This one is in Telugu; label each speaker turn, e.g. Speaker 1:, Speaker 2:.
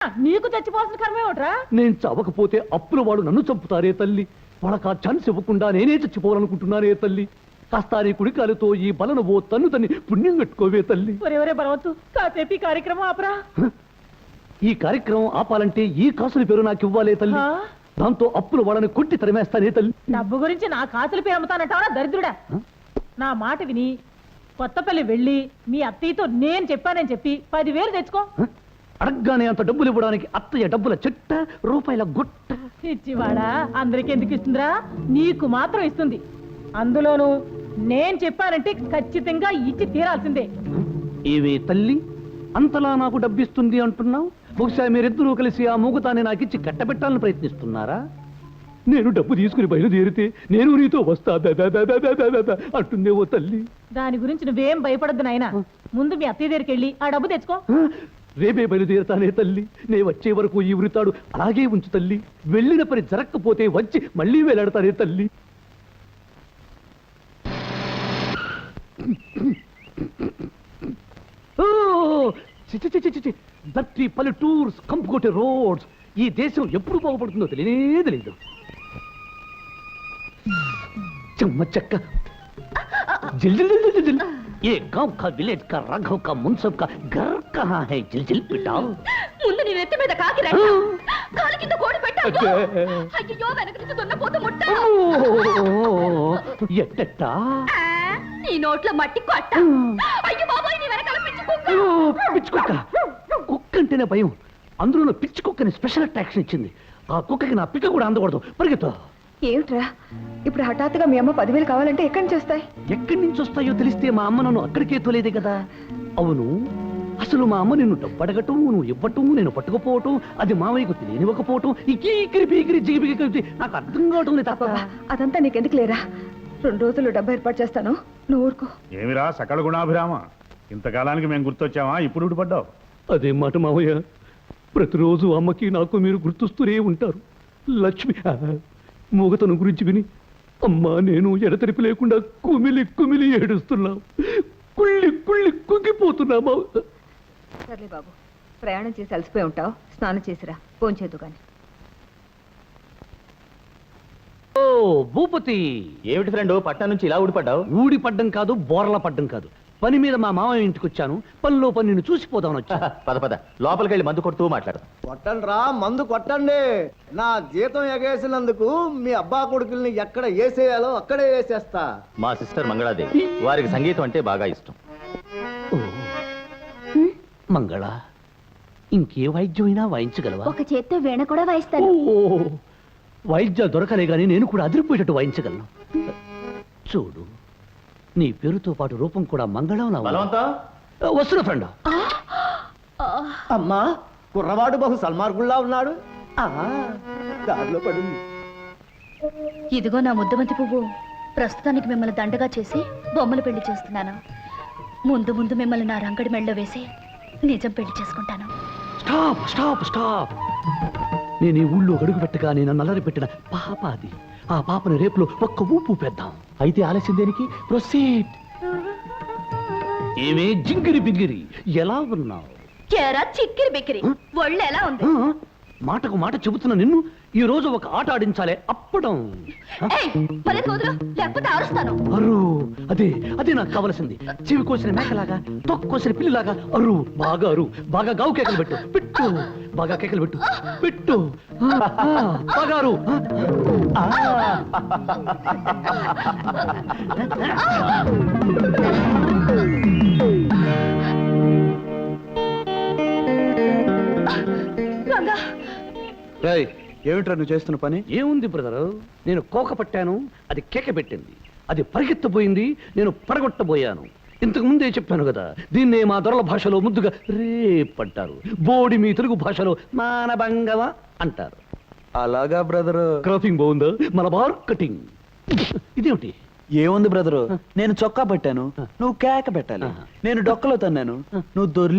Speaker 1: నీకు చచ్చిపోవాల్సిన కర్మే ఒకట్రా.
Speaker 2: నేను చవకపోతే అప్పుల వాడు నన్ను చంపుతారే తల్లి. వాళ్ళకి ఆ ఛాన్స్ ఇవ్వకుండా నేనే చచ్చిపోవాలనుకుంటున్నానే తల్లి. కాస్త నీ కుడికాలతో ఈ బలను ఓ తన్ను తన్ని పుణ్యం కట్టుకోవే తల్లి.
Speaker 1: ఒరే బలవత్తు, కాసేపు ఈ కార్యక్రమం ఆపరా.
Speaker 2: ఈ కార్యక్రమం ఆపాలంటే ఈ కాసుల పేరు నాకు ఇవ్వాలే తల్లి. దాంతో అప్పుల వాళ్ళని కొట్టి తరిమేస్తానే తల్లి.
Speaker 1: డబ్బు గురించి నా కాసుల పేరు అమ్ముతానంటావా దరిద్రుడా? నా మాట విని కొత్తపల్లి వెళ్ళి మీ అత్తయ్యతో నేను చెప్పానని చెప్పి 10,000 తెచ్చుకో.
Speaker 2: అడగ్గానే అంత డబ్బులు ఇవ్వడానికి అత్తయ్య డబ్బుల చెట్ట, రూపాయల గుట్ట.
Speaker 1: ఇచ్చివాడా అందరికి ఎందుకు ఇస్తుందిరా? నీకు మాత్రం ఇస్తుంది. అందులోనూ నేను చెప్పానంటే ఖచ్చితంగా ఇచ్చి తీరాల్సిందే.
Speaker 2: ఏవే తల్లి, అంతలా నాకు డబ్బిస్తుంది అంటున్నావు? బహుశా మీరిద్దరూ కలిసి ఆ మూగతాన్ని నాకిచ్చి కట్టబెట్టాలని ప్రయత్నిస్తున్నారా? నేను డబ్బు తీసుకుని బయలుదేరితే నేను నీతో వస్తా అంటుందే ఓ తల్లి.
Speaker 1: దాని గురించి నువ్వేం భయపడద్దు నాయనా. ముందు మీ అత్తయ్య దగ్గరికి వెళ్ళి ఆ డబ్బు తెచ్చుకో.
Speaker 2: రేపే బయలుదేరుతానే తల్లి. నే వచ్చే వరకు ఈ ఉరితాడు అలాగే ఉంచు తల్లి. వెళ్ళిన పని జరక్కపోతే వచ్చి మళ్ళీ వేలాడతానే తల్లి. దట్టి పల్లెటూర్స్ కంపుకొట్టే రోడ్స్. ఈ దేశం ఎప్పుడు బాగుపడుతుందో తెలియనే తెలియదు. చెమ్మ చెక్క ये गांव का विलेज का राघव का मुंसब का घर कहाँ है? जिल पिटाओ.
Speaker 3: ముందు నీ నెత్తి మీద కాకి రెట్ట, కాలు కింద కోడి పెట్టావు. అయ్యో వెనక నుంచి దున్నపోతు ముట్ట.
Speaker 2: ఎట్టట్టా?
Speaker 3: నీ నోట్లో మట్టి కొట్ట. అయ్యో బాబోయ్, నీ వెనకాల పిచ్చి కుక్క.
Speaker 2: పిచ్చి కుక్క. కుక్క అంటేనే భయం. అందులో పిచ్చి కుక్కని స్పెషల్ అట్రాక్షన్ ఇచ్చింది. ఆ కుక్కకి నా పిక్క కూడా అందకూడదు. పరిగెత్తు.
Speaker 4: ఏమిట్రా ఇప్పుడు హఠాత్తుగా మీ అమ్మ 10,000 కావాలంటే ఎక్కడి నుంచి వస్తాయి?
Speaker 2: ఎక్కడి నుంచి వస్తాయో తెలిస్తే మా అమ్మ నన్ను అక్కడికే తోలేదే కదా. అవును, అసలు మా అమ్మ నిన్ను డబ్బడగటం, నువ్వు ఇవ్వటం, నేను పట్టుకుపోవటం, అది మావయ్యకు తెలియనివ్వకపోవటం, ఇకీకిరి పీకిరి జిగిపిగి కలిసి నాకు అర్థం కావటం లేదు తప్ప.
Speaker 4: అదంతా నీకెందుకు లేరా? 2 రోజులు డబ్బు ఏర్పాటు చేస్తాను, నువ్వు ఊరుకో.
Speaker 5: ఏమిరా సకల గుణాభిరామ, ఇంతకాలానికి మేము గుర్తొచ్చావా? ఇప్పుడు ఊడిపడ్డావు.
Speaker 2: అదే మాట మావయ్య, ప్రతిరోజు అమ్మకి నాకు మీరు గుర్తొస్తూనే ఉంటారు. లక్ష్మి మూగతను గురించి విని అమ్మా నేను ఎడతెరిపి లేకుండా కుమిలి కుమిలి ఏడుస్తున్నాం. కుళ్ళి కుళ్ళి కుంగిపోతున్నామా.
Speaker 4: సర్లే బాబు, ప్రయాణం చేసి అలసిపోయి ఉంటావు, స్నానం చేసిరా, ఫోన్ చేద్దు కానీ.
Speaker 2: ఓ భూపతి,
Speaker 6: ఏమిటి ఫ్రెండ్ పట్టణం నుంచి ఇలా ఊడిపడ్డావు?
Speaker 2: ఊడిపడ్డం కాదు, బోర్ల పడ్డం కాదు. పని మీద మా మామయ్య ఇంటికి వచ్చాను. పనిలో పని నిన్ను చూసిపోదామని వచ్చా.
Speaker 6: పద లోపలికి వెళ్ళి మందు కొడుతూ మాట్లాడు.
Speaker 7: కొట్టండి రా, మందు కొట్టండి. నా జీతం ఎగేసినందుకు మీ అబ్బా కొడుకుల్ని ఎక్కడ వేసేయాలో అక్కడే వేసేస్తా.
Speaker 6: మా సిస్టర్ మంగళాదేవి, వారికి సంగీతం అంటే బాగా ఇష్టం.
Speaker 2: మంగళ, ఇంకే వాయిద్యమైనా వాయించగలవా?
Speaker 3: ఒక చేత్తో వీణ కూడా వాయిస్తాను.
Speaker 2: వాయిద్యాలు దొరకలే గానీ నేను కూడా అదిరిపోయేటట్టు వాయించగలను. చూడు, నీ పేరుతో పాటు రూపం కూడా మంగళం. వస్తున్నా ఫ్రెండ్.
Speaker 7: అమ్మా, కుర్రవాడు బహు సల్మార్గుల్లా ఉన్నాడు. దారిలో పడింది.
Speaker 3: ఇదిగో నా ముద్దమంతి పువ్వు. ప్రస్తుతానికి మిమ్మల్ని దండగా చేసి బొమ్మలు పెళ్లి చేస్తున్నాను. ముందు ముందు మిమ్మల్ని నా రంగడి మెళ్ళలో వేసి నిజం పెళ్లి చేసుకుంటాను.
Speaker 2: Stop stop stop. నేను ఈ ఊళ్ళో అడుగు పెట్టగా నేను నల్లరి పెట్టిన పాప అది. ఆ పాపని రేపులో ఒక్క ఊపు పెద్దాం. అయితే ఆలస్యం దేనికి? ప్రొసీడ్. ఏమే జింగిరి బింగిరి, ఎలా ఉన్నావు?
Speaker 3: చిక్కిరి బిక్కిరి, ఒళ్ళు ఎలా ఉంది?
Speaker 2: మాటకు మాట చెబుతున్న నిన్ను ఈ రోజు ఒక ఆట ఆడించాలే, అప్పడం. అరు, అదే అదే నాకు కావలసింది. చెవి కోసిన మేకలాగా, తొక్కు కోసిన పిల్లిలాగా అరు, బాగా అరు, బాగా గావు కేకలు పెట్టు, పెట్టు, బాగా కేకలు పెట్టు, పెట్టు, బాగా అరు.
Speaker 7: ఏమిట్రా నువ్వు చేస్తున్న పని?
Speaker 2: ఏముంది బ్రదరు, నేను కోక పట్టాను, అది కేక పెట్టింది. అది పరిగెత్తబోయింది, నేను పడగొట్టబోయాను. ఇంతకు ముందే చెప్పాను కదా, దీన్నే మా దొరల భాషలో ముద్దుగా రేపంటారు. బోడి మీ తెలుగు భాషలో మానభంగవ అంటారు.
Speaker 7: అలాగా బ్రదరు.
Speaker 2: క్రాపింగ్ బాగుందా? మలబార్ కటింగ్. ఇదేమిటి?
Speaker 7: ఏముంది బ్రదరు, నేను చొక్కా పట్టాను, నువ్వు కేక పెట్టాలి. నేను డొక్కలో తన్నాను, నువ్వు దొర్లి